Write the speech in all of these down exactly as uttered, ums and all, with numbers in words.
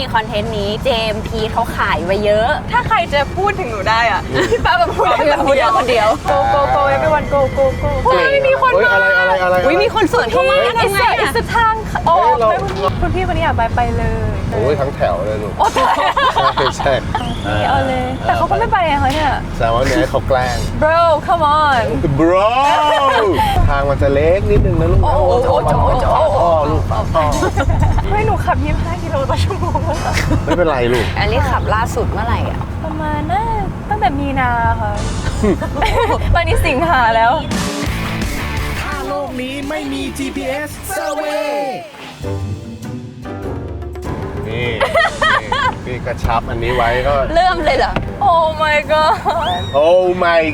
คอนเทนต์นี้เจมส์พีเขาขายไว้เยอะถ้าใครจะพูดถึงหนูได้อ่ะพี่ป้าแบบพูดพี่พูดคนเดียว go go go everyone go go go เฮ้ยมีคนมาอะไรอะไรอะไรอุ้ยมีคนสวนเข้ามาทำไงอิสทางออกคุณพี่คนนี้อยากไปไปเลยโอ้ยทั้งแถวเลยลูกโอ้ตายใช่ใช่เอาเลยแต่เขาก็ไม่ไปไงเขาเนี่ยแสดงว่าเนี่ยเขาแกล้ง bro come on bro ทางมันจะเล็กนิดนึงนะลูกโอ้โหโอ้โหโอ้โหพ่อลูกพ่อเฮ้ยหนูขับยี่สิบห้ากิโลต่อชั่วโมงแล้วไม่เป็นไรลูกอันนี้ขับล่าสุดเมื่อไหร่อ่ะประมาณน่าตั้งแต่มีนาค่ะ ตอนนี้สิงหาแล้วถ้าโลกนี้ไม่มี จี พี เอส Survey นี่พี่กระชับอันนี้ไว้ก็เริ่มเลยเหรอโอ้ my god โอ้ my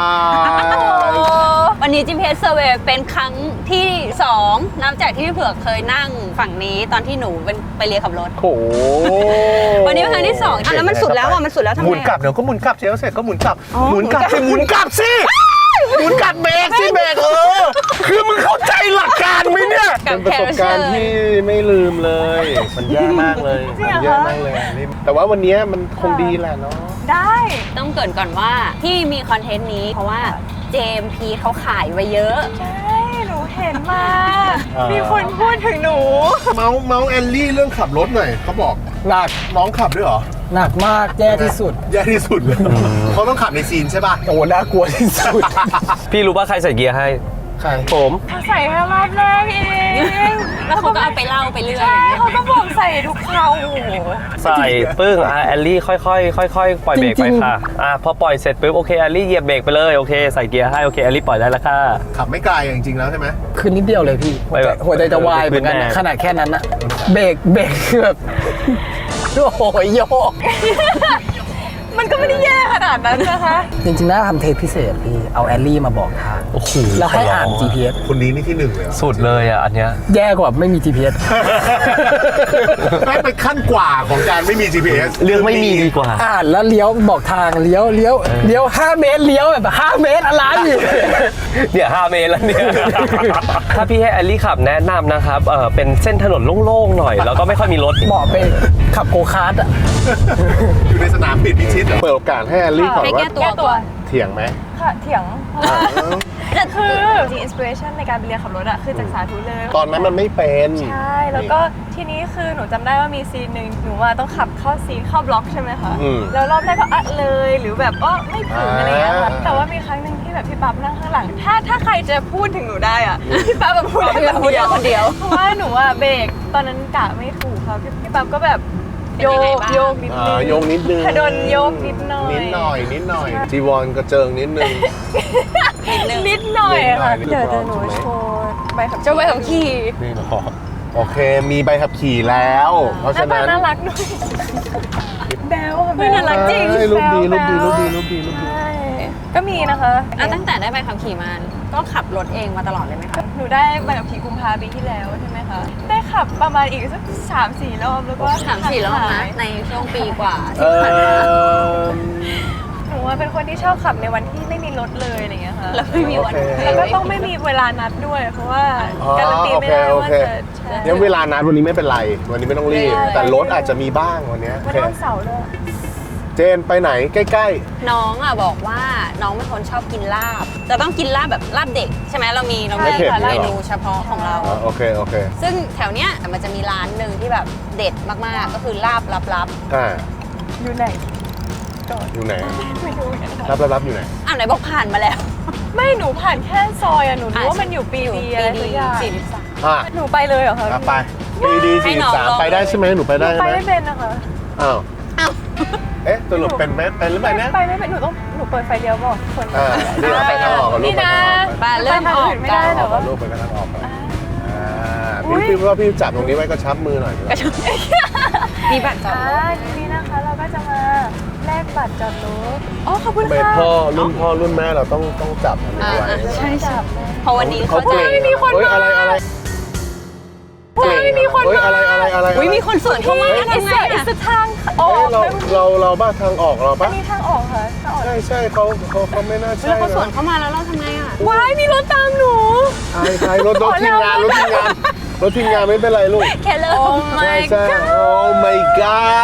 god วันนี้ จี พี เอส Survey เป็นครั้งที่สองนับจากที่พี่เผือกเคยนั่งฝั่งนี้ตอนที่หนูเป็นไปเรียนขับรถโอ้วันนี้เป็นครั้งที่สองอ่ะแล้วมันสุดแล้วอ่ะมันสุดแล้วทำไงหมุนกลับเดี๋ยวก็หมุนกลับเชลเสร็จก็หมุนกลับอ๋อหมุนกลับสิหมุนกลับสิหมุนกลับเบรกสิเบรกเออคือมึงเข้าใจหลักการไหมเนี่ยเป็นประสบการณ์ที่ไม่ลืมเลยมันแย่มากเลยมันแย่มากเลยแต่ว่าวันนี้มันคงดีแหละเนาะได้ต้องเกริ่นก่อนว่าที่มีคอนเทนต์นี้เพราะว่าเจมส์พีเขาขายไว้เยอะใช่หนูเห็นมามีคนพูดถึงหนูเมาส์เมาส์แอลลี่เรื่องขับรถหน่อยเขาบอกหนักน้องขับด้วยเหรอหนักมากแย่ที่สุดแย่ที่สุดเลยเขาต้องขับในซีนใช่ป่ะโอ้น่ากลัวที่สุดพี่รู้ป่ะใครใส่เกียร์ให้ใครผมเขาใส่แค่รอบแรกเองแล้วเขาก็เอาไปเล่าไปเรื่อยใช่เขาก็บอกใส่ทุกคราวโอ้โหใส่ปึ้งอ่ะแอลลี่ค่อยๆค่อยๆปล่อยเบรกไปค่ะอ่ะพอปล่อยเสร็จปุ๊บโอเคแอลลี่เหยียบเบรกไปเลยโอเคใส่เกียร์ให้โอเคแอลลี่ปล่อยได้แล้วค่ะขับไม่ไกลจริงๆแล้วใช่ไหมคือนิดเดียวเลยพี่หัวใจหัวใจจะวายเหมือนกันขนาดแค่นั้นอะเบรกเบรกคือแบบโอ้โหโยกมันก็ไม่ได้แย่ขนาดนั้นนะคะจริงๆน่าทำเทปพิเศษพี่เอาแอลลี่มาบอกทางโอ้โหแล้วให้อ่าน จี พี เอสคนนี้นี่ที่หนึ่งเลยสุดเลยอ่ะอันเนี้ยแย่กว่าไม่มี จี พี เอสไม่เป็นขั้นกว่าของการไม่มี จี พี เอสเรื่องไม่มีดีกว่าอ่านแล้วเลี้ยวบอกทางเลี้ยวเลี้ยวเลี้ยวห้าเมตรเลี้ยวแบบห้าเมตรอะไรเนี่ยห้าเมตรแล้วเนี่ยถ้าพี่ให้แอลลี่ขับแนะนำนะครับเออเป็นเส้นถนนโล่งๆหน่อยแล้วก็ไม่ค่อยมีรถเหมาะไปขับโกคาร์ทอ่ะอยู่ในสนามปิดพิชิตเปิดโอกาสให้แอลลี่ก่อนว่าแก้ตัวเถียงไหมค่ะเถียงคือจริงอินสปิเรชันในการไปเรียนขับรถอะคือจากสาธุเลยตอนนั้นมันไม่เป็นใช่แล้วก็ทีนี้คือหนูจำได้ว่ามีซีนหนึ่งหนูว่าต้องขับเข้าซีนเข้าบล็อกใช่ไหมคะแล้วรอบแรกก็อัดเลยหรือแบบก็ไม่ถึงอะไรเงี้ยค่ะแต่ว่ามีครั้งหนึ่งที่แบบพี่ปั๊บนั่งข้างหลังถ้าถ้าใครจะพูดถึงหนูได้อะพี่ปั๊บแบบพูดคนเดียวคนเดียวเพราะว่าหนูอะเบรกตอนนั้นกะไม่ถูกค่ะพี่พี่ปั๊บก็แบบโยกโยกนิดนึงโยกนิดนึงโดนโยกนิดหน่อยนิดหน่อยนิดหน่อยจีวรกระเจิงนิดนึงนิดหน่อยค่ะเดี๋ยวจะหนูโชว์ใบขับเจ้าใบขับขี่นี่เนาะโอเคมีใบขับขี่แล้วเพราะฉะนั้นน่ารักด้วยแบลค่ะน่ารักจริงรูปดีรูปดีรูปดีรูปดีรูปดีก็มีนะคะอ่ะตั้งแต่ได้ใบขับขี่มาก็ขับรถเองมาตลอดเลยไหมคะหนูได้ใบขับขี่กุมภาพันธ์ปีที่แล้วใช่ไหมคะได้ขับประมาณอีกสักสามสี่รอบแล้วก็สามสี่รอบนะในช่วงปีกว่าที่ผ่านมาหนูว่าเป็นคนที่ชอบขับในวันที่ไม่มีรถเลยอะไรเงี้ยค่ะแล้วไม่มีวันแล้วก็ต้องไม่มีเวลานัดด้วยเพราะว่าการันตีไม่ได้ว่าจะเนี่ยเวลานัดวันนี้ไม่เป็นไรวันนี้ไม่ต้องรีบแต่รถอาจจะมีบ้างวันนี้วันวันเสาร์เลยเจนไปไหนใกล้ๆน้องอ่ะบอกว่าน้องเป็นคนชอบกินลาบจะต้องกินลาบแบบลาบเด็กใช่ไหมเรามีเรามีเมนูเฉพาะของเราโอเคโอเคซึ่งแถวเนี้ยมันจะมีร้านหนึ่งที่แบบเด็ดมากๆก็คือลาบลับๆอ่าอยู่ไหนอยู่ไหนไม่รู้รับรับอยู่ไหนอ่ะไหนบอกผ่านมาแล้วไม่หนูผ่านแค่ซอยอ่ะหนูรู้ว่ามันอยู่ปีดีอะไรสักอย่างหนูไปเลยเหรอคะไปปีดีสี่สามไปได้ใช่ไหมหนูไปได้ไหมไปไม่เป็นนะคะอ้าวเอ๊ะตัวหลุดเป็นไหมเป็นหรือเปล่าเนี่ยไปไม่เป็นหนูต้องหนูเปิดไฟเลี้ยวบอกคนอ่านี่ไปทางออกกับลูกไปทางออกไปเริ่มออกไม่ได้แต่ว่าลูกไปทางออกอ่าพี่พี่ว่าพี่จับตรงนี้ไว้ก็ชับมือหน่อยมีบัตรจอดรถทีนี้นะคะเราก็จะมาแลกบัตรจอดรถอ๋อขอบคุณค่ะพ่อรุ่นพ่อรุ่นแม่เราต้องต้องจับอันนี้ไว้ใช่ใช่เพราะวันนี้เขาจะมีคนมาอะไรอะไรเฮ้ยมีคนมาอะไรอะไรอะไรอุ้ยมีคนสวนเข้ามาทำไงอ่ะทางออกเราเราเราบ้าทางออกเราปะมีทางออกค่ะใช่ใช่เขาเขาเขาไม่น่าใช่แล้วเขาสวนเข้ามาแล้วเราทำไงอ่ะว้ายมีรถตามหนูใช่ใช่รถรถทีมงานรถทีมงานรถทีมงานไม่เป็นไรลูกแค่เริ่มใช่ใช่โอ้ my god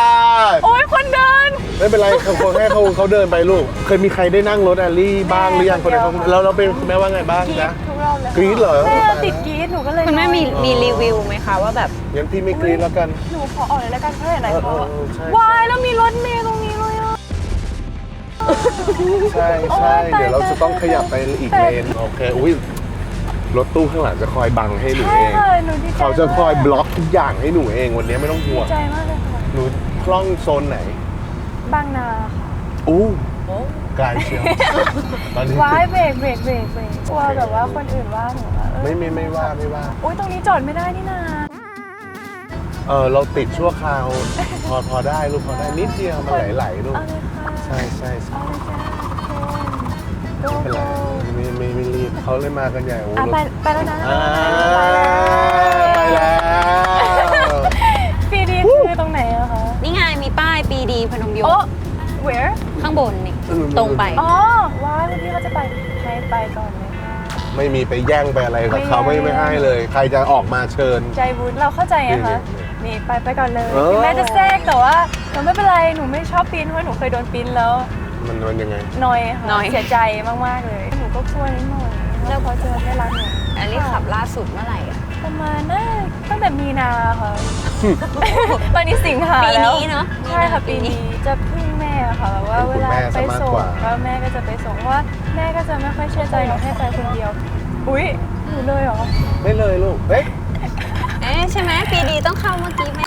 ไม่เป็นไรเขาเขาให้เขาเขาเดินไปลูก เคยมีใครได้นั่งรถแอลลี่บ้างหรือยังคนไหนเขาเราเราเป็นคุณแม่ว่าไงบ้างกรี๊จ๊ะดทุกรอบเลยกรี๊ดเหรอแม่ติดกรี๊ดหนูก็เลยคุณแม่มีมีรีวิวไหมคะว่าแบบงั้นพี่ไม่กรี๊ดแล้วกันหนูขอออกเลยแล้วกันเพราะไหนๆเขาเออเออใช่วายแล้วมีรถเมล์ตรงนี้เลยอ่ะใช่โอ๊ใช่ยตายเดี๋ยวเราจะต้องขยับไปอีกเลนโอเคอุ้ยรถตู้ข้างหลังจะคอยบังให้หนูใช่เองค่ะหนูดีใจเขาจะคอยบล็อกทุกอย่างให้หนูเองวันนี้ไม่ต้องห่ดีวงใจมากเลยค่ะหนูคล่องโซนไหนบางนาค่ะอู้ไกลเชียวตอนนี้ว้ายเบรกเบรกเบรกเบรกกลัวแบบว่าคนอื่นว่าหนูว่าเออไม่ไม่ไม่ว่าไม่ว่าอุ้ยตรงนี้จอดไม่ได้นี่นาเออเราติดชั่วคราว พอพอได้ลูกพอได้นิดเดียวมันไหลๆลูกเอาเลยค่ะใช่ใช่ใช่เอาเลยจ้าทุกคนไม่เป็นไรไม่ไม่ไม่รีบเขาเลยมากันใหญ่โอ้อ่ะรถไปไปแล้วนะอ่าไปแล้วปีดีคือตรงไหนอะคะนี่ไงมีป้ายปีดีพนมยงโอ้ค์ where ข้างบนนี่ตรงไปอ๋อว้ายเมื่อกี้เขาจะไปให้ไปก่อนเลยค่ะไม่มีไปแย่งไปอะไรกับเขาไม่ไม่ให้เลย ใครจะออกมาเชิญใจบุญเราเข้าใจไงคะนี่นี่ไปไปก่อนเลยเออถึงแม้จะแทรกแต่ว่าแต่ไม่เป็นไรหนูไม่ชอบปีนเพราะหนูเคยโดนปีนแล้วมันมันยังไงนอยค่ะนอยเสียใจมากๆเลย หนูก็กลัวนิดหน่อยแล้วเขาจะไม่รักหนูอันนี้ขับล่าสุดเมื่อไหร่อะประมาณน่าตั้งแต่มีนาค่ะ ตอนนี้สิงหาปีแล้วนี้เนาะใช่ค่ะปีนี้จะพึ่งแม่ค่ะแบบว่าเวลาไปส่งแล้วแม่ก็จะไปส่งเพราะว่าแม่ก็จะไม่ค่อยเชื่อใจหนูให้ไปคนเดียว อุ๊ยหนูเลยเหรอไม่เลยลูกเฮ้ยเอ๊ะใช่ไหมปีดีต้องเข้าเมื่อกี้ไหม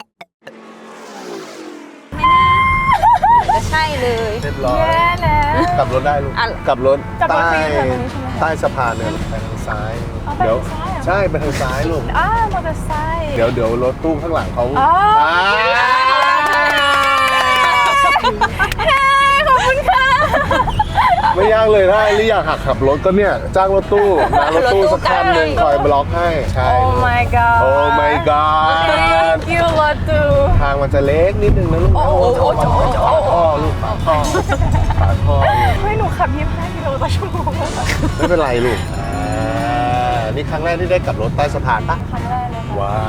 ไม่น่าจะใช่เลยเรียบร้อยแย่แล้วกลับรถได้ลูกอ่ะกลับรถกลับรถใต้ฟรีค่ะตรงนี้ใช่ไหมคะใต้สะพานเนี่ยไปทางซ้ายอ๋อไปทางซ้ายเหรอใช่ไปทางซ้ายลูกอ้าวมอเตอร์ไซค์เดี๋ยวเดี๋ยวรถตู้ข้างหลังเขาอ๋ออ่าเฮ้ยขอบคุณค่ะไม่ยากเลยถ้าไอ้ลี่อยากหักขับรถก็เนี่ยจ้างรถตู้นะรถตู้สักคันหนึ่งคอยบล็อกให้ใช่โอ้ my god โอ้ my god thank you รถตู้ทางมันจะเล็กนิดนึงนะลูกนะโอ้โหฝาท่อลูกฝาท่อฝาท่อเฮ้ยหนูขับยี่สิบห้ากิโลต่อชั่วโมงไม่เป็นไรลูกอ่านี่ครั้งแรกที่ได้กลับรถใต้สะพานปะครั้งแรกเลยค่ะว้าว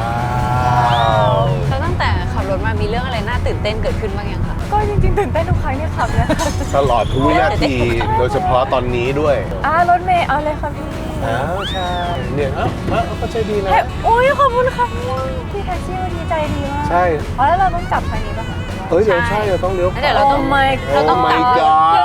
แล้วตั้งแต่ขับรถมามีเรื่องอะไรน่าตื่นเต้นเกิดขึ้นบ้างยังคะก็จริงๆตื่นเต้นทุกครั้งที่ขับเลยตลอดทุกวินาทีโดยเฉพาะตอนนี้ด้วยอ่ารถเมย์เอาเลยค่ะพี่อ้าวใช่เนี่ยเอ้าเอ้าก็ใจดีนะเฮ้ยโอ้ยขอบคุณค่ะพี่พี่แท็กซี่วันนี้ใจดีมากใช่อ๋อแล้วเราต้องจับทางนี้ป่ะคะเฮ้ยเดี๋ยวใช่เราต้องเลี้ยวขแล้ววาเดี๋ยวเราต้อง Oh my เราต้อง Oh กลั my บ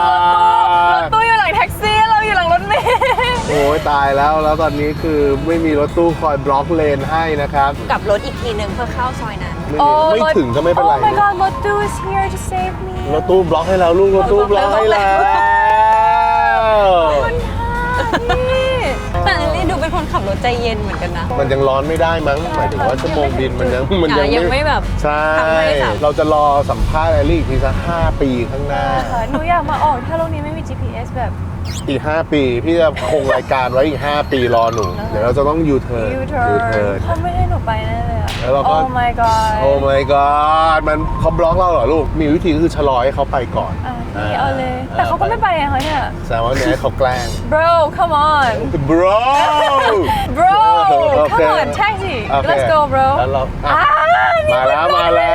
god ตู้อยู่หลังแท็กซี่เราอยู่หลังรถเมย์โอ้ยตายแล้วแล้วตอนนี้คือไม่มีรถตู้คอยบล็อกเลนให้นะครับกลับรถอีกทีหนึ่งเพื่อเข้าซอยนั้นไม่มีไม่ถึงก็ไม่เป็นไร Oh my god รถตู้ is here to save me รถตู้บล็อกให้แล้วลูกรถตู้บล็อกให้แล้วขอบคุณค่ะพี่แต่ลิลลี่ดูเป็นคนขับรถใจเย็นเหมือนกันนะมันยังร้อนไม่ได้มั้งหมายถึงว่าชั่วโมงบินมันยังมันอ่ะยังไม่แบบใช่ทำไม่สับเราจะรอสัมภาษณ์แอลลี่อีกทีสักห้าปีข้างหน้าค่ะหนูอยากมาออกถ้าโลกนี้ไม่มี จี พี เอส แบบอีก ห้า ปีพี่จะคงรายการไว้อีก ห้า ปีรอหนู เดี๋ยวเราจะต้องยูเทิร์น U-turn เขาไม่ให้หนูไปแน่เลยอะแล้วเราก็ Oh my god โอ้ my god มันเขาบล็อกเราเหรอลูก มีวิธีก็คือชะลอให้เขาไปก่อนอ่ะพี่เอาเลย แต่เขาก็ไม่ไปอะคะเนี่ยแสดงว่าเนี่ยให้เขาแกล้ง bro come on bro bro โอเค come on taxi โอเค let's go bro แล้วเราอ่ะอ่านี่มาแล้วมาแล้ว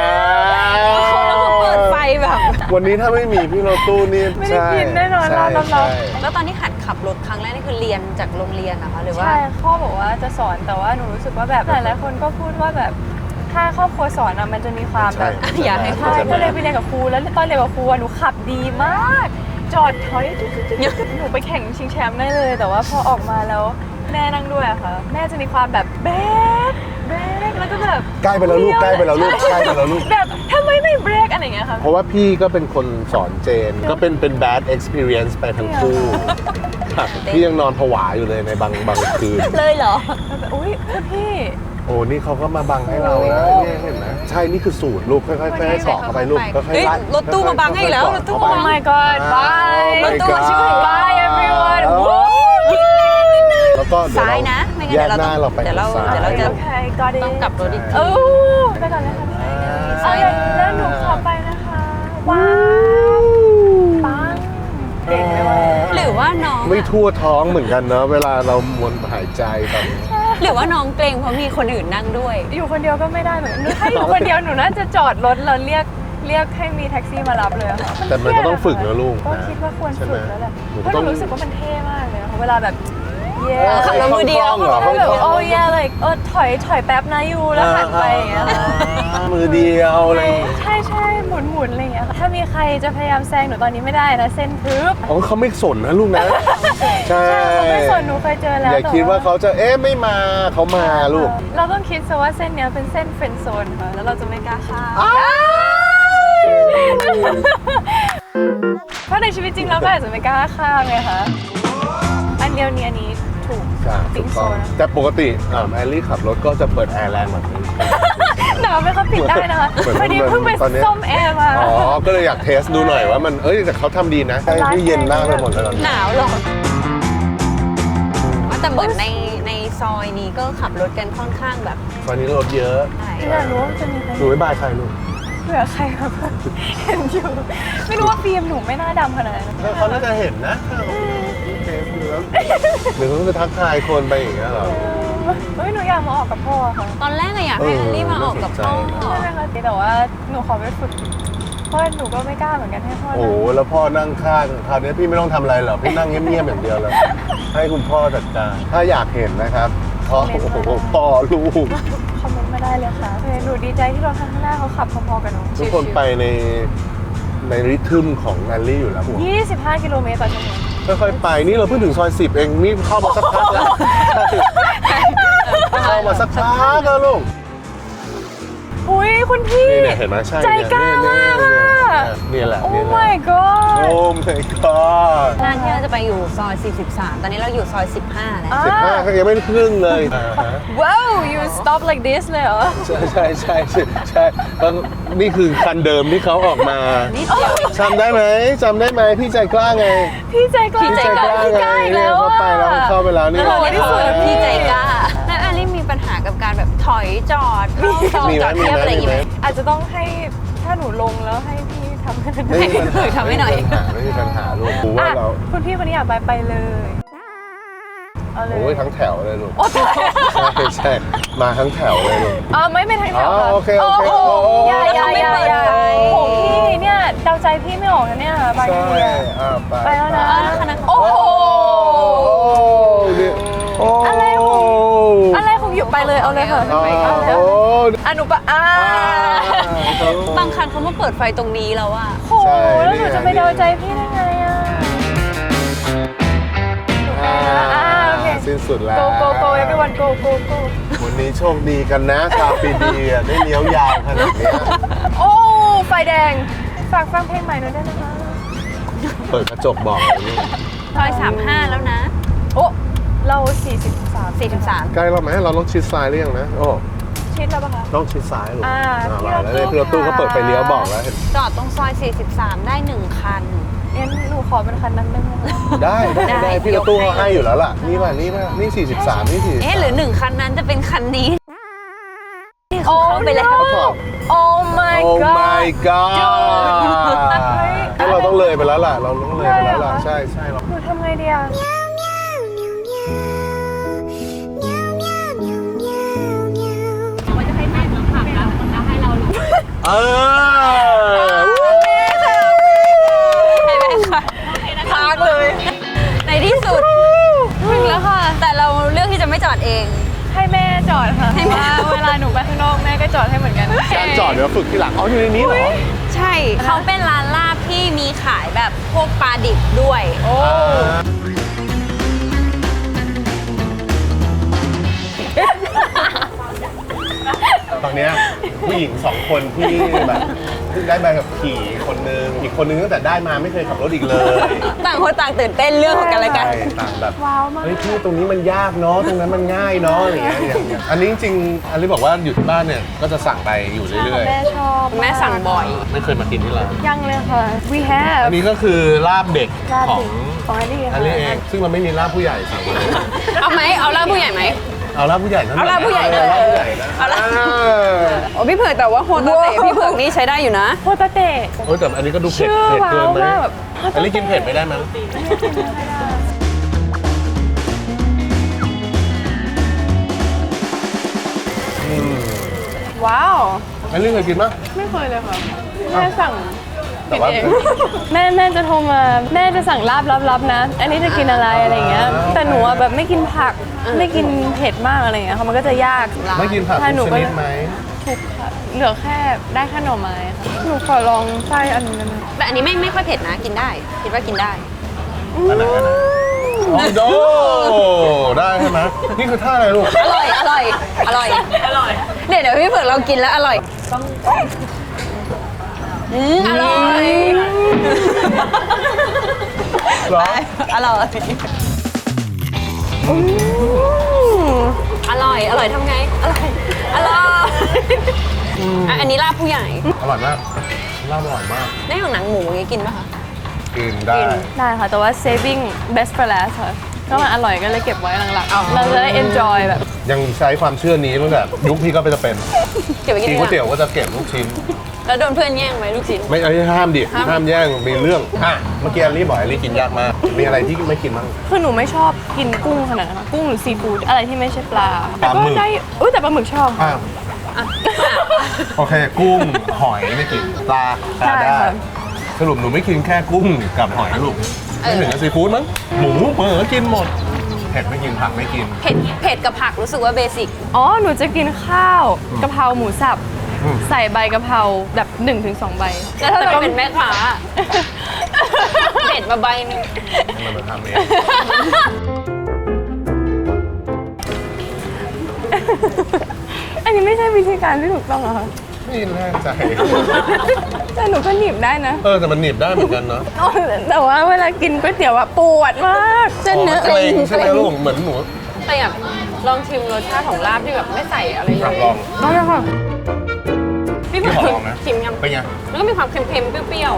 แล้วเขาเปิดไฟแบบวันนี้ถ้าไม่มีพี่รถตู้นี่ไม่ได้ใช่กินแน่นอนใช่ร้านรับใช่แล้วตอนที่หัดขับรถครั้งแรกนี่คือเรียนจากโรงเรียนนะคะหรือว่าใช่พ่อบอกว่าจะสอนแต่ว่าหนูรู้สึกว่าแบบหลายๆคนก็พูดว่าแบบถ้าครอบครัวสอนอะมันจะมีความแบบใช่อยากให้ใช่ก็เลยไปเรียนกับครูแล้วตอนเรียนกับครูอะหนูขับดีมาก จอดถอยจุ๊ดๆๆหนูไปแข่งชิงแชมป์ได้เลย แต่ว่าพอออกมาแล้วแม่นั่งด้วยอะค่ะ แม่จะมีความแบบเบรกเบรกแล้วก็แบบใกล้ไปแล้วลูกใกล้ไปแล้วลูกใกล้ไปแล้วลูกแบบทำไมไม่เบรกอะไรอย่างเงี้ยค่ะเพราะว่าพี่ก็เป็นคนสอนเจน ก็เป็นเป็น bad experience ไปทั้งคู่ครับพี่ยังนอนผวาอยู่เลยในบางบางคืนเลยเหรอแล้วแบบอุ้ยคุณพี่โอ้นี่เขาก็มาบังให้เรานะเนี่ยเห็นไหมใช่นี่คือสูตรลูกค่อยๆค่อยๆให้เกาะเข้าไปลูกค่อยๆเฮ้ยไล่รถตู้มาบังให้อีกแล้วค่อยๆรถตู้เกาะ Oh เข้าไป my god bye รถตู้ชื่อ bye everyone โอ้ Woo! แล้วก็เดี๋ยวซ้ายเรานะไม่งั้นแยเดี๋ยวเรากหน้าเราไปเดี๋ยวเราซ้เดี๋ยวเราจะโอเค got it ต้องกลับรถอีกทีโอ้ไปก่อนเลยค่ะพี่เอาเลยแล้วหนูขับไปนะคะ ว้าว ปังเก่งไหมวะหรือว่าน้องไม่ทั่วท้องเหมือนกันเนอะเวลาเรามวนหายใจตอนหรือว่าน้องเกรงเพราะมีคนอื่นนั่งด้วยอยู่คนเดียวก็ไม่ได้เหมือนกันถ้าอยู่คนเดียวหนูน่าจะจอดรถแล้วเรียกเรียกให้มีแท็กซี่มารับเลยอะค่ะแต่มันก็ต้องฝึกนะลูกก็นะคิดว่าควรใช่ฝึไหมกแล้วแหละหนูเพราะหต้นูองรู้สึกว่ามันเท่มากเลยอะเวลาแบบเย้ขับรถมือเดียวคล่องๆเหรอแบบคล่โอ้องๆยอะไรเออถอยถอยแป๊บนะยูแล้วหันไปอย่างเงี้ยอ่ามือเดียวอะไรอย่างงี้ใช่ใช่หมุนหมุนอะไรอย่างเงี้ยค่ะถ้ามีใครจะพยายามแซงหนูตอนนี้ไม่ได้นะเส้นทึบอ๋อเขาไม่สนนะลูกนะ ใช่ใช่เขาไม่สนหนูเคยเจอแล้วอย่าแต่คิดว่าเขาจะเอ๊ะไม่มาเขามาลูกเราต้องคิดซะว่าเส้นเนี้ยเป็นเส้นเฟรนด์โซนค่ะแล้วเราจะไม่กล้าข้ามเพราะในชีวิตจริงเราก็อาจจะไม่กล้าข้ามไงคะอันเดียวนี้อันนี้ถูกใช่ถูปิ๊งกโซต้องนแต่ปกติอ่าแอลลี่ขับรถก็จะเปิดแอร์แรงแบบนี้หนาวไหมคะปิดได้นะคะเหมือนพอดีเพิ่งไปตอนเนี้ยส้มแอร์มาอ๋อ ก็เลยอยากเทสดูหน่อยว่ามันเอ้ยแต่เขาทำดีนะใช่ที่เย็นมากไปหมดเลยตอนนี้หนาวหรอแต่เหมือนในในซอยนี้ก็ขับรถกันค่อนข้างแบบตอนนี้รถเยอะใช่อยากรู้ว่าจะมีใครหนูไม่บายใครลูกเผื่อใครแบบเห็นอยู่ไม่รู้ว่าฟิล์มหนูไม่น่าดำขนาดนั้นเขาน่าจะเห็นนะเทสดูแล้วหรือเขาจะทักทายคนไปอย่างเงี้ยเหรอเฮ้ยหนูอยากมาออกกับพ่อค่ะตอนแรกอะอยากให้เออแอลลี่มาออกกับพ่อน่าสนใจใช่ไหมคะแต่ว่าหนูขอไปฝึกเพราะหนูก็ไม่กล้าเหมือนกันให้พ่อโอ้นั่โหงแล้วพ่อนั่งข้างคราวนี้พี่ไม่ต้องทำอะไรหรอกพี่นั่งเงียบๆอย่างเดียวแล้ว ให้คุณพ่อจัดการถ้าอยากเห็นนะครับพ่อโอ้โหพ่อลูกคอมเมนต์มาได้เลยค่ะเออหนูดีใจที่รถข้างหน้าเขาขับพอๆกับหนูทุกคนไปในในริทึมของแอลลี่อยู่แล้วผมยี่สิบห้ากิโลเมตรต่อชั่วโมงค่อยๆไปนี่เราเพิ่งถึงซอยสิบเองนี่เข้ามาสักพักแล้วเข้ามาสักพักแล้วลูกอุ้ยคุณพี่นี่เนี่ยเห็นไหมใช่ใจกล้ามากอะเนี่ยแหละโอ้เนี่ยแหละ my god โอ้ my god ร้านที่เราจะไปอยู่ซอย สี่สิบสาม ตอนนี้เราอยู่ซอย สิบห้า แล้วอ่าสิบห้าก็ยังไม่ได้ครึ่งเลยอ่าฮะว้าว you stop like this เลยเหรอใช่ใช่ใช่ใช่ใช่แล้วนี่คือคันเดิมที่เขาออกมานิดเดียวจำได้ไหมจำได้ไหมพี่ใจกล้าไงพี่ใจกล้าพี่ใจกล้าพี่ใกล้อีกเนี่แล้ยว เข้าอะไปแล้วเข้าไปแล้วนี่แล้วเราได้คุยกับพี่ใจกล้าล้าแล้วแอลลี่มีปัญหากับการแบบถอยจอดเข้าซอยมีไหมจอดเทียบอะไรอย่างงี้ไหมอาจจะต้องให้ถ้าหนูลงแล้วให้พี่ทำให้หนูไม่มีปัญหาทำให้หน่อยไม่มีปัญหาลูกกูว่าอ่ะเราคุณพี่คนนี้อยากไปไปเลยเอาเลยโอ้ยทั้งแถวเลยลูกโอ้ตายใช่ใช่มาทั้งแถวเลยลูกอ๋อไม่ไม่ทางแถวอ๋อค่ะโอเคโอเคโอ้โหโอ้อย่าอย่าอย่าอย่าทำไมเปิดไฟโอ้พี่เนี่ยเดาใจพี่ไม่ออกนะเนี่ยบางใช่ทีอะอ่ะไปไปแล้วนะอ๋อแล้วคันนั้นโอ้โหโอ้เนี่ยโอ้อะไรของ อะไรของอยู่ไปเลยเอาเลยค่ะอ๋อเอาเลยโอ้อนุปะอ่าบางคันเขามาเปิดไฟตรงนี้แล้วอะโหแล้วหนูจะไปเดาใจพี่ได้ไงอ่ะอ่าอ่าโอเคสิ้นสุดแล้ว go go go everyone go go go วันนี้โชคดีกันนะชาวปีดีอ่ะได้เลี้ยวยาวขนาดเนี้ยโอ้ไฟแดงฝากฟังเพลงใหม่หน่อยได้ไหมคะเปิดกระจกบอกเลยลูกซอย สามสิบห้า แล้วนะโอ้เราสี่สิบสามสี่สิบสามใกล้เราไหมเราต้องชิดซ้ายหรือยังนะโอ้ชิดแล้วปะคะต้องชิดซ้ายลูกอ่ามาแล้วเนี่ยพี่รถตู้เขาเปิดไฟเลี้ยวบอกแล้วเห็นจอดตรงซอย สี่สิบสาม ได้หนึ่งคันงั้นหนูขอเป็นคันนั้นได้ไหมคะได้ได้ได้ได้พี่รถตู้เขาให้อยู่แล้วล่ะนี่ป่ะนี่ป่ะนี่สี่สิบสามนี่สี่เอ๊ะหรือหนึ่งคันนั้นจะเป็นคันนี้ที่เขาเข้าไปแล้วเขาถอดโอ้ my โอ้ god my god เฮ้ยที่เราต้องเลยไปแล้วล่ะ เราต้องเลยไปแล้วล่ะได้เหรอใช่ใช่เราหนูทำไงดีอะเออให้แม่ค่ะพักเลย ในที่สุดถึงแล้วค่ะ แต่เราเลือกที่จะไม่จอดเองให้แม่จอดค่ะเพราะว่าเวลาหนูไปข้างนอกแม่ก็จอดให้เหมือนกันการจอดเดี๋ยวฝึกทีหลังเอาอยู่ในนี้เหรอใช่ เขาเป็นร้านลาบที่มีขายแบบพวกปลาดิบด้วยโอ้ตอนเนี้ยผู้หญิงสองคนที่แบบเพิ่งได้ใบขับขี่คนนึงอีกคนนึงตั้งแต่ได้มาไม่เคยขับรถอีกเลยต่างคนต่างตื่นเต้นเรื่องของกันและกันใช่ต่างแบบว้าวมากเฮ้ยพี่ตรงนี้มันยากเนาะตรงนั้นมันง่ายเนาะอะไรอย่างเงี้ยอย่างเงี้ยอันนี้จริงๆอันนี้บอกว่าอยู่ที่บ้านเนี่ยก็จะสั่งไปอยู่เรื่อยแม่ชอบแม่สั่งบ่อยๆไม่เคยมากินที่ร้านยังเลยค่ะ we have อันนี้ก็คือลาบเด็กลาบขอดิงของอันนี้อันนี้เองซึ่งเราไม่มีลาบผู้ใหญ่สั่งมาเลยเอาไหม เอาลาบผู้ใหญ่ไหมเอาลาบผู้ใหญ่นั่นเอาลาบผู้ใหญ่เอาลาบผู้ใหญ่นะเอาลาบอ่าโอ้พี่เผือกแต่ว่าโฮตาเตะพี่เผือกนี่ใช้ได้อยู่นะโฮตาเตะโอ้ยแต่อันนี้ก็ดูเผ็ดชื่อเผ็ดเกินไหมว้าวมากแบบอันนี้กินเผ็ดไม่ได้มั้งว้าวอันนี้เคยกินปะไม่เคยเลยค่ะแม่สั่งแต่ว่ากินเองแม่แม่จะโทรมาแม่จะสั่งลาบลับๆนะ อันนี้จะกินอะไรอะไรเงี้ยแต่หนูอะแบบไม่กินผักไม่กินเผ็ดมากอะไรเงี้ยค่ะมันก็จะยากไม่กินผักถ้าหนูทุกชก็นิดไหมทุกค่ะเหลือแค่ได้แค่หน่อไม้ค่ะหนูขอลองไส้อันนี้ได้ไหมแต่อันนี้ไม่ไม่ค่อยเผ็ดนะกินได้ คิดว่ากินได้อันไหนอันไหนโอ้โดได้ใช่ไหมนี่คือท่าอะไรลูกอร่อย อร่อย อร่อย อร่อย เดี๋ยวเดี๋ยวพี่เผือกเรากินแล้วอร่อยอืมอร่อยเหรออร่อยอืมอร่อย อร่อยทำไง อร่อย อร่อยอ่ะอันนี้ลาบผู้ใหญ่อร่อยมากลาบอร่อยมากได้ของหนังหมูอย่างงี้กินป่ะคะกินได้ได้ค่ะแต่ว่า saving best for last ค่ะก็มันอร่อยก็เลยเก็บไว้หลังๆเราจะได้ enjoy แบบยังใช้ความเชื่อนี้ตั้งแต่ยุคพี่ก็ไปจะเป็นเก็บไปกินกินก๋วยเตี๋ยวก็จะเก็บลูกชิ้นแล้วโดนเพื่อนแย่งไหมลูกชิ้นไม่เอาห้ามดิห้ามห้ามแย่งมีเรื่องอ่ะเมื่อกี้อลี่บอกอลี่กินยากมาก มีอะไรที่ไม่กินบ้างคือหนูไม่ชอบกินกุ้งขนาดนั้นค่ะกุ้งหรือซีฟู้ดอะไรที่ไม่ใช่ปลาปลาหมึกก็ได้อุ้ยแต่ปลาหมึกชอบอ่ะโอเค กุ้งหอยไม่กินปลาปลาใช่ได้ค่ะสรุปหนูไม่กินแค่กุ้งกับหอยลูกไม่ถึงกับซีฟู้ดมั้งหมูเปิดก็กินหมดเผ็ดไม่กินผักไม่กินเผ็ด เผ็ดกับผักรู้สึกว่าเบสิกอ๋อหนูจะกินข้าวกะเพราหมูสับอืมใส่ใบกะเพราแบบหนึ่งถึงสองใบแล้วถ้าเราเป็นแม่ค้า เผ็ดมาใบหนึงมันมาทำเองอันนี้ไม่ใช่วิธีการที่ถูกต้องเหรอคะไม่แน่ใจแต่หนูก็หนีบได้นะเออแต่มันหนีบได้เหมือนกันเนาะอ๋อแต่ว่าเวลากินก๋วยเตี๋ยวอะปวดมากเส้นเนื้อเกรงใช่ไหมลูกเหมือนหนูแต่อยากลองชิมรสชาติของลาบที่แบบไม่ใส่อะไรเลอยากยลองได้เลยค่ะพี่เผือกพี่ขอลองนะชิมยังเป็นไงแล้วก็มีความเค็มๆ เปรี้ยว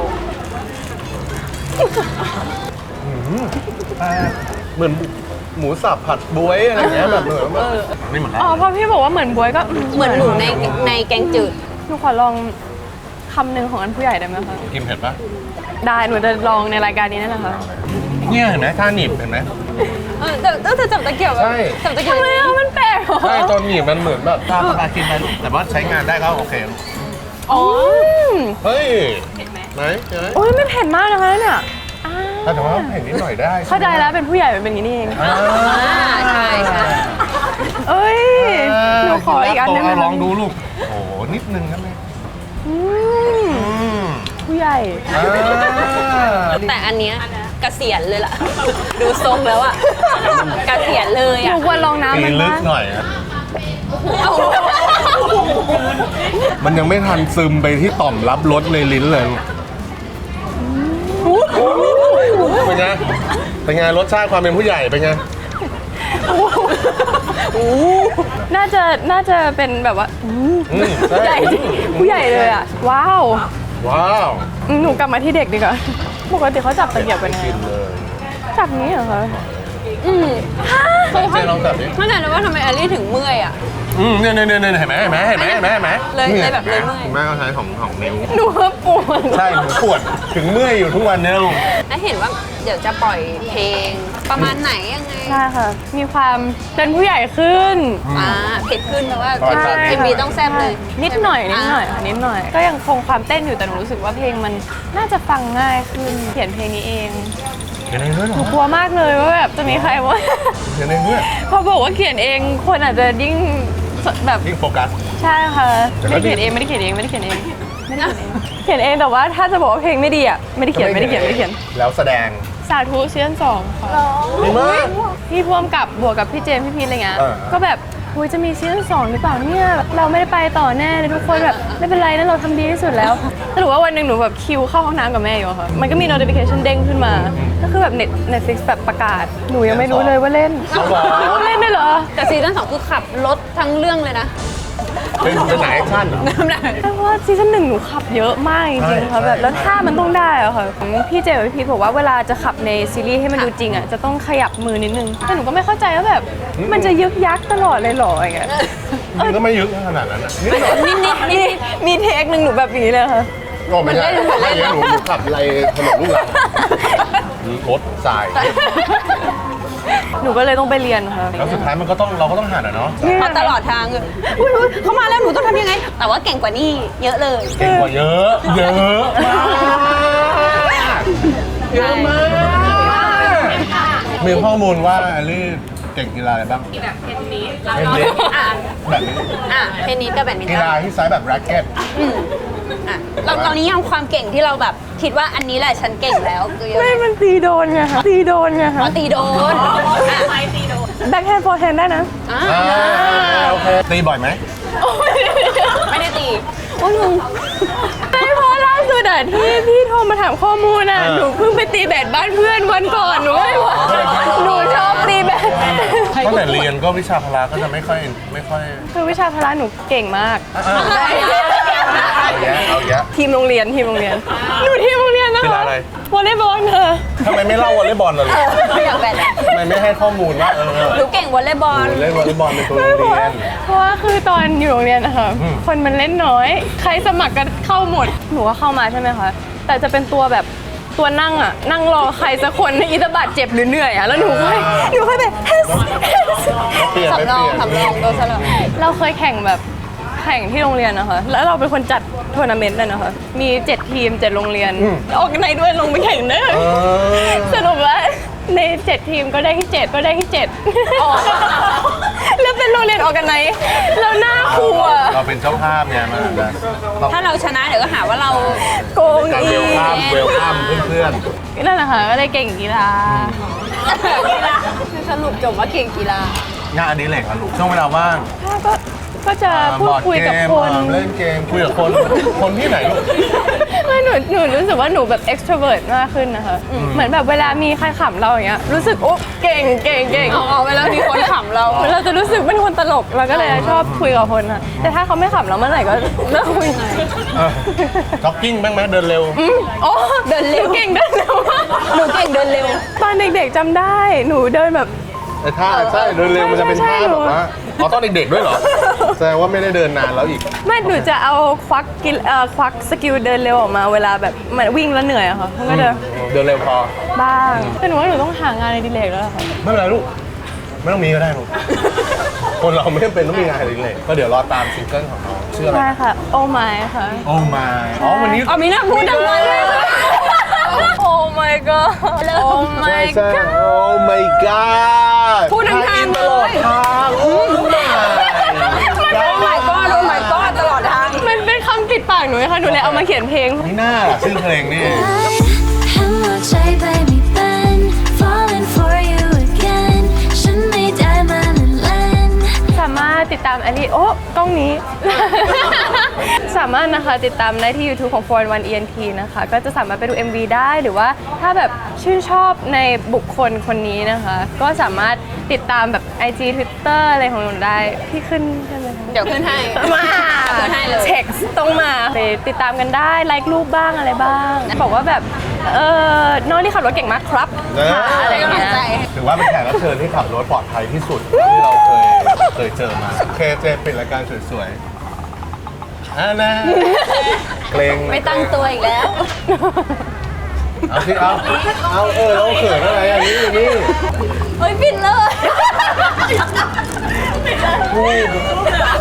อืมอ่าเหมือนหมูสับผัดบวยอะไรอย่างเงี้ยแบบเหมือนแบบไม่เหมือนอ๋อพอพี่บอกว่าเหมือนบวยก็ๆ เหมือนหมูในในแกงจืดหนูขอลองคำหนึ่งของอันผู้ใหญ่ได้ไหมคะกินเผ็ดปะได้หนูจะลองในรายการนี้นั่นแหละค่ะเนี่ยเห็นไหมท่าหนีบเห็นไหมเออแต่แต่เธอจับตะเกียบแบบใช่จับตะเกียบทำไมอ่ะมันแปลกเหรอใช่ตอนหนีบมันเหมือนแบบตาปลากินไปลูกแต่ว่าใช้งานได้ก็โอเคลูกอ๋อเฮ้ยไหนเห็นไหมโอ้ยไม่เผ็ดมากนะคะเนี่ยอ่าแต่ว่าเผ็ดนิดหน่อยได้เข้าใจแล้วเป็นผู้ใหญ่เป็นอย่างนี้นี่เองอ่าอ่าใช่ใช่เอ้ยหนูขออีกอันได้ไหมลองดูลูกโอ้โหนิดนึงนั่นเลยอืมอืมผู้ใหญ่อ่าแต่อันเนี้ยเกษียณเลยล่ะ ดูทรงแล้วอะเกษียณเลยหนูอะควรลองน้ำตีมันลึกมากหน่อยอะมันยังไม่ทันซึมไปที่ต่อมรับรสในลิ้นเลยเป็นไงเป็นไงรสชาติความเป็นผู้ใหญ่เป็นไงน่าจะน่าจะเป็นแบบว่าอืมอืมผู้ใหญ่จริงผู้ใหญ่เลยอ่ะ ว้าวว้าวอืมหนูกลับมาที่เด็กดีกว่าปกติเขาจับตะเกียบกันยังไงกินเลยจับนี้เหรอคะอืมเจ๊ลองจับดิไม่แน่ใจว่าทำไมแอลลี่ถึงเมื่อยอะอืมเนี่ยเนี่ยเนี่ยเห็นไหมเห็นไหมเห็นไหมเห็นไหมเห็นไหมเลยเลยแบบเลยเมื่อยคุณแม่ก็ใช้ของของนิ้วหนูว่าปวดใช่หนูปวดถึงเมื่อยอยู่ทุกวันเนี่ยลูกแล้วเห็นว่าเดี๋ยวจะปล่อยเพลงประมาณไหนยังไงใช่ค่ะ มีความเป็นผู้ใหญ่ขึ้นอ่าเผ็ดขึ้นเพราะว่าใช่เอ็มบีต้องแซ่บเลยนิดหน่อยนิดหน่อยค่ะนิดหน่อย ก็ยังคงความเต้นอยู่แต่หนูรู้สึกว่าเพลงมันน่าจะฟังง่ายขึ้น เขียนเพลงนี้เองเขียนเองด้วยเหรหนูอกลัวมากเลยว่าแบบจะมีใครว่าเขียนเองด้วยพอบอกว่าเขียนเองคนอาจจะยิ่งแบบยิ่งโฟกัสใช่ค่ะแต่ก็ไม่ได้เขียนเองไม่ได้เขียนเองไม่ได้เขียนเองไม่ได้เขียนเองเขียนเองแต่ว่าถ้าจะบอกว่าเพลงไม่ดีอ่ะไม่ได้เขียนไม่ได้เขียนไม่ได้เขียนแล้วแสดงสาธุซีซั่นสองค่ะดีมากพี่พ่วงกับบวกกับพี่เจมส์พี่พีทอะไรเงี้ยเออก็แบบอุยจะมีซีซั่นสองหรือเปล่าเนี่ยเราไม่ได้ไปต่อแน่เลยทุกคนแบบไม่เป็นไรนะเราทำดีที่สุดแล้วสรุปว่าวันหนึ่งหนูแบบคิวเข้าห้องน้ำกับแม่อยู่อะค่ะมันก็มี notification เด้งขึ้นมาก็คือแบบ Net Netflix แบบประกาศหนูยังไม่รู้เลยว่าเล่นเอาเหรอเล่นได้เหรอแต่ซีซั่นสองคือขับรถทั้งเรื่องเลยนะเป็นเป็นหนังแอคชั่นเหรอแต่ว่าซีซั่นหนึ่งหนูขับเยอะมากจริงๆใช่ค่ะแบบใช่แล้วท่ามันต้องได้อะค่ะพี่เจกับพี่พีทบอกว่าเวลาจะขับในซีรีส์ให้มันดูจริงอะจะต้องขยับมือนิดนึงแต่หนูก็ไม่เข้าใจว่าแบบมันจะยึกยักตลอดเลยเหรออย่างเงี้ยมันก็ไม่ยึกขนาดนั้นนะนิดหน่อยนิดนิดมีมีเทคหนึ่งหนูแบบอย่างนี้เลยค่ะโอ้ไม่ใช่ไม่ใช่หนูหนูขับอะไรถนนลูกหลังรถทรายหนูก็เลยต้องไปเรียนค่ะแล้วสุดท้ายมันก็ต้องเราก็ต้องหัดอ่ะเนาะเพราะตลอดทางคืออุ๊ยอุ๊ยเขามาแล้วหนูต้องทำยังไง แต่ว่าเก่งกว่านี่เยอะเลยเก่งกว่าเยอะเยอะมากเยอะมากมีข้อมูลว่าแอลลี่เก่งกีฬาอะไรบ้างแบบเทนนิสเทนนิสอ่ะแบบนี้อ่ะเทนนิสกับแบดมินกีตัฬาน ที่ใช้แบบแร็กเก็ตอืมอ่ะเราตอนนี้ยังความเก่งที่เราแบบคิดว่าอันนี้แหละฉันเก่งแล้วคือยังไม่ไงมันตีโดนไงคะตีโดนไงอ๋คะอตีโดนอ่ะแบ็คแฮนด์โฟร์แฮนด์ได้นะอ่ะอ่าโอเคตีบ่อยไหมไม่ได้ตีโอ้ยลุงไม่เพราะล่าสุดอะที่พี่โทรมาถามข้อมูลอะเออหนูเพิ่งไปตีแบดบ้านเพื่อนวันก่อนหนูไม่ไหวหนูชอบตีแบดตั้งแต่เรียนก็วิชาพละก็จะไม่ค่อยไม่ค่อยคือวิชาพละหนูเก่งมากอ่ะอ่ะเอาแยะเอาแยะทีมโรงเรียนทีมโรงเรียนหนูทีมโรงเรียนนะกีฬาคะอะไรวอลเลย์บอลเธอทำไมไม่เล่วอลเลย์บอลล่ะลูกไม่อยากแบดอะทำไมไม่ให้ข้อมูลว่าเออหนูเก่งวอลเลย์บอลเล่นวอลเลย์บอลเป็นตัวโรงเรียนเพราะว่าคือตอนอยู่โรงเรียนนะคะอืมคนมันเล่นน้อย ใครสมัครกันเข้าหมดหนูก็เข้ามาใช่ไหมคะแต่จะเป็นตัวแบบตัวนั่งอะนั่งรอใครสักคนในอิตาบาดเจ็บหรือเหนื่อยอะแล้วหนูค่อยหนูค่อยไปเฮ้ยเปลี่ยนไม่สำรเปองลี่ยนสำรองโดนสลับเราเคยแข่งแบบแข่งที่โรงเรียนนะคะ แล้วเราเป็นคนจัดทัวร์นาเมนต์เลยนะคะ มีเจ็ดทีมเจ็ดโรงเรียน ออกในด้วยลงไปแข่งเด้อเออสรุปว่าในเจ็ดทีมก็ได้ที่เจ็ดก็ได้ที่เจ็ดแล้วเป็นโรงเรียนออกกันไหนแล้วหน้าครูอะเราเป็นเจ้าภาพไงมันอาจจะต้องถ้าเราชนะเดี๋ยวก็หาว่าเราโกงการอีเวลคัมเวลคัมเพื่อนนั่นแหละค่ะก็ได้เก่งกีฬาคือสรุปจบว่าเก่งกีฬาๆงานอดิเรกอะลูกช่วงเวลาว่างก็ก็จะพูดคุยกับคนเล่นเกมคุยกับคนคนที่ไหนลูกไม่หนูหนูรู้สึกว่าหนูแบบ extrovert มากขึ้นนะคะ เหมือนแบบเวลามีใครขำเราอย่างเงี้ยรู้สึกโอ๊ะเก่งเก่งเก่งเอาเอาเวลามีคนขำเราเราจะรู้สึกเป็นคนตลกเราก็เลยชอบคุยกับคนอะแต่ถ้าเขาไม่ขำเราเมื่อไหร่ก็เลิกคุยจ็อกกิ้งบ้างไหมเดินเร็วโอ้เดินเร็วเก่งเดินเร็วมากหนูเก่งเดินเร็วตอนเด็กๆจำได้หนูเดินแบบแต่ท่าใช่เดินเร็วมันจะเป็นท่าแบบว่าอ๋อตอนเด็กๆด้วยเหรอแสดงว่าไม่ได้เดินนานแล้วอีกไม่หนูจะเอาควักกิลเอ่อควักสกิลเดินเร็วออกมาเวลาแบบเหมือนวิ่งแล้วเหนื่อยอะค่ะมันก็จะเดินเร็วพอบ้างแต่หนูว่าหนูต้องหางานในดิเลกแล้วล่ะค่ะไม่เป็นไรลูก ไม่ต้องมีก็ได้ลูก คนเราไม่จำเป็นต้องมีงานอดิเรกก็เดี๋ยวรอตามซิงเกิลของน้องชื่ออะไรใช่ค่ะ โอ้ไม่ค่ะโอ้มาอ๋อวันนี้อ๋อมีหน้าพูดดังมาเลยโอ้ my god โอ้ใช่ my ใช่ god โอ้ my god พูดดังๆทานตเลลอดยทางโอ้ my โอ้ my god โอ้ my god ตลอดทางมันเป็นคำติดปากหนูนะคะหนูเลยเอามาเขียนเพลงนี่น่าล่ะชื่อเพลงนี่หัวใจไปไม่เป็น falling for you again ฉันไม่ได้มาเล่นสามารถติดตามแอลลี่โอ้กล้องนี้ สามารถนะคะติดตามได้ที่ YouTube ของ โฟร์ วัน อี เอ็น ที นะคะ ก็จะสามารถไปดู เอ็ม วี ได้หรือว่าถ้าแบบชื่นชอบในบุคคลคนนี้นะคะ ก็สามารถติดตามแบบ ไอ จี Twitter อะไรของหนูได้ที่ขึ้นใช่ไหมคะเดี๋ยวขึ้นให้มาขึ้นให้เลยเช็คต้องมาไปติดตามกันได้ไลค์รูปบ้างอะไรบ้าง บอกว่าแบบเออน้องที่ขับรถเก่งมากครับเอออะไรอย่างกำลัเงี้งยใจถือว่าเป็นแขกรับเชิญที่ขับรถปลอดภัยที่สุดที่เราเคยเคยเจอมาเคเจปิดรายการสวยๆอ่านะเกรงไม่ตั้งตัวอีกแล้วเอาสิเอาเอาเออเราเขินอะไรอันนี้อันนี้เฮ้ยปิดเลยพูด